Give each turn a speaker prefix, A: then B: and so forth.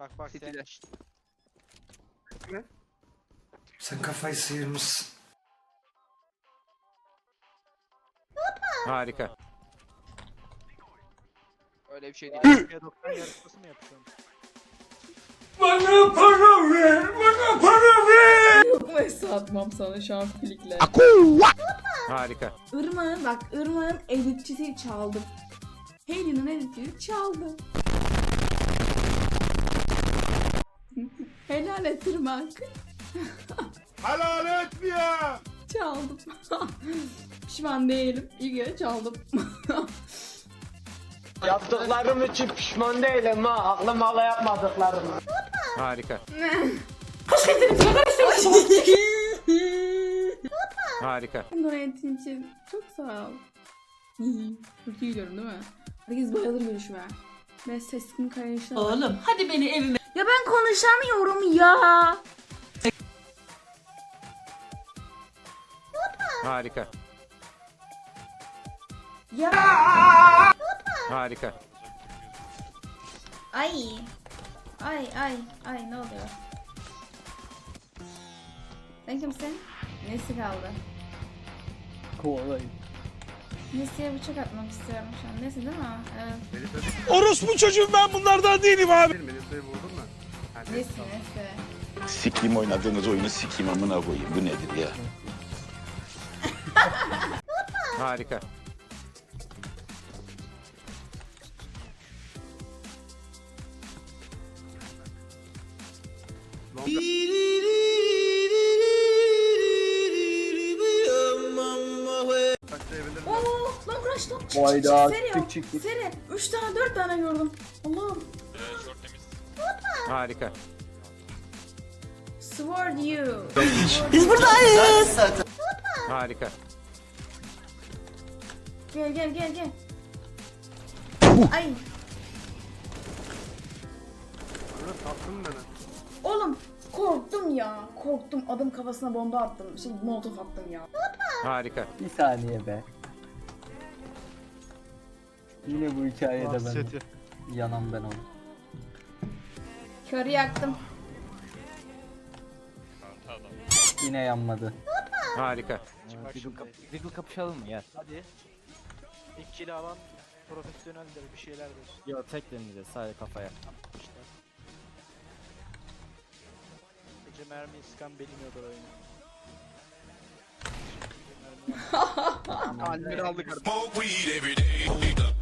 A: Bak bak sen.
B: City'ler.
C: Sen kafayı sıyırmışsın.
D: Harika.
B: Öyle bir şey değil.
A: Türkiye 90 yarışması mı yapıyorsun?
C: Bana para ver, bana para ver.
E: Yok mu atmam sana şu an flikle.
D: Harika.
E: Irmak'ın bak Irmak'ın editçisi çaldım. Hayley'nin editçisi çaldım. Helal et Irmak.
A: Helal etmiyor.
E: Çaldım. Pişman değilim. İyi ki çaldım.
F: Yaptıklarım için pişman değilim ha. Aklım hala yapmadıklarım.
D: Harika. Harika.
E: Donate'in için çok sağ ol. Çok iyi görün değil mi? Herkes bayılır görüşüme. Ben sesimi kayışına...
G: Oğlum hadi beni evime.
E: Ya ben konuşamıyorum ya.
D: Harika.
E: Ya.
D: Harika.
E: Ay. Ay ne oluyor? Sen kimsin? Nesi kaldı?
F: Kovalayın.
E: Nesi'ye bıçak atmak istiyorum şu an. Nesi değil mi? Evet.
A: Orospu çocuğum ben bunlardan değilim abi.
E: Nesi.
H: Sikiyim oynadığınız oyunu sikiyim amına koyayım. Bu nedir ya?
D: Harika.
E: Oo, lan Crash lan çık
F: Hayda,
E: çık
F: çık.
E: seri 3 tane 4 tane gördüm. Allah'ım.
D: Harika.
E: Sword you.
D: Harika.
E: Gel. Ay. Oğlum korktum ya. Korktum. Adım kafasına bomba attım. Molotof attım ya.
D: Harika.
F: Bir saniye be. Yine bu hikayede ben yanan ben oldum.
E: Körü yaktım.
F: Yine yanmadı.
D: Harika.
B: Diggle kapışalım mı gel.
A: Hadi. İlk kill alan profesyoneldir bir şeylerdir.
B: Yo tek deneyeceğiz sadece kafaya.
A: İşte. Gece mermiyi sıkan bilmiyordur oyunu.
B: Almir aldık.
C: Smoke weed every day.